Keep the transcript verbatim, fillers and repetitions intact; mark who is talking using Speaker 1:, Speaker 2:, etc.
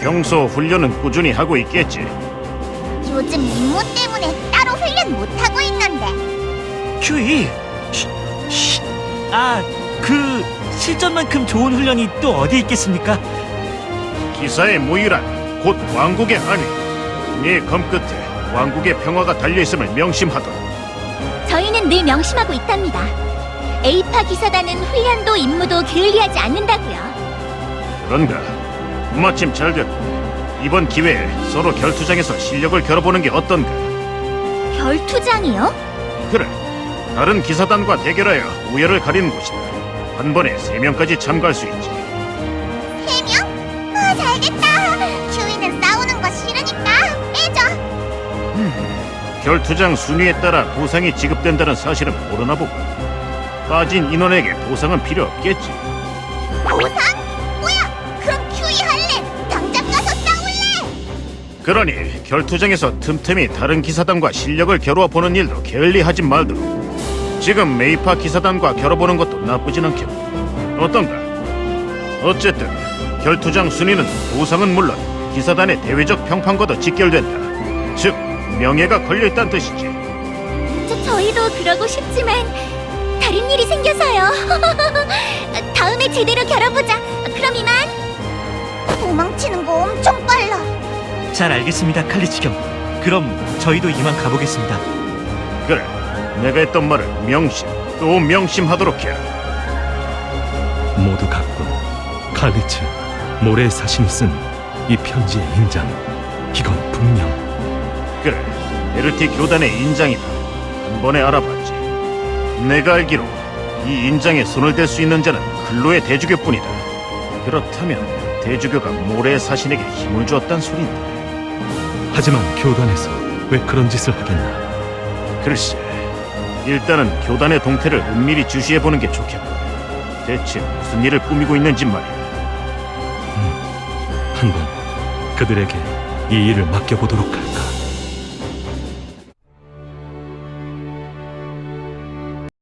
Speaker 1: 평소 훈련은 꾸준히 하고 있겠지.
Speaker 2: 요즘 임무 때문에 따로 훈련 못하고 있는데.
Speaker 3: 큐이! 쉿, 쉿. 아, 그 실전만큼 좋은 훈련이 또 어디 있겠습니까?
Speaker 1: 기사의 무유란 곧 왕국의 안위. 네 검끝에 왕국의 평화가 달려있음을 명심하도록.
Speaker 2: 저희는 늘 명심하고 있답니다. 에이파 기사단은 훈련도 임무도 게을리하지 않는다고요.
Speaker 1: 그런가? 마침 잘 됐고. 이번 기회에 서로 결투장에서 실력을 겨뤄보는 게 어떤가?
Speaker 2: 결투장이요?
Speaker 1: 그래, 다른 기사단과 대결하여 우열을 가리는 곳이다. 한 번에 세 명까지 참가할 수 있지.
Speaker 2: 세 명? 아, 잘됐다. 큐이는 싸우는 거 싫으니까 빼줘.
Speaker 1: 결투장 순위에 따라 보상이 지급된다는 사실은 모르나 보군. 빠진 인원에게 보상은 필요 없겠지.
Speaker 2: 보상? 뭐야? 그럼 큐이 할래. 당장 가서 싸울래.
Speaker 1: 그러니 결투장에서 틈틈이 다른 기사단과 실력을 겨루어 보는 일도 게을리하지 말도록. 지금 메이파 기사단과 겨뤄보는 것도 나쁘진 않겠고. 어떤가? 어쨌든 결투장 순위는 보상은 물론 기사단의 대외적 평판과도 직결된다. 즉 명예가 걸려있다는 뜻이지.
Speaker 2: 저, 저희도 그러고 싶지만 다른 일이 생겨서요. 다음에 제대로 겨뤄보자. 그럼 이만. 도망치는 거 엄청 빨라.
Speaker 3: 잘 알겠습니다, 칼리치 경. 그럼 저희도 이만 가보겠습니다.
Speaker 1: 그래, 내가 했던 말을 명심 또 명심하도록 해.
Speaker 4: 모두 갔군. 칼리츠, 모래의 사신이 쓴 이 편지의 인장. 이건 분명
Speaker 1: 그래, 에르티 교단의 인장이다. 한 번에 알아봤지. 내가 알기로 이 인장에 손을 댈 수 있는 자는 근로의 대주교뿐이다. 그렇다면 대주교가 모래의 사신에게 힘을 주었단 소린데.
Speaker 4: 하지만 교단에서 왜 그런 짓을 하겠나?
Speaker 1: 글쎄, 일단은 교단의 동태를 은밀히 주시해보는 게 좋겠고. 대체 무슨 일을 꾸미고 있는지 말이야.
Speaker 4: 한번 그들에게 이 일을 맡겨보도록 할까?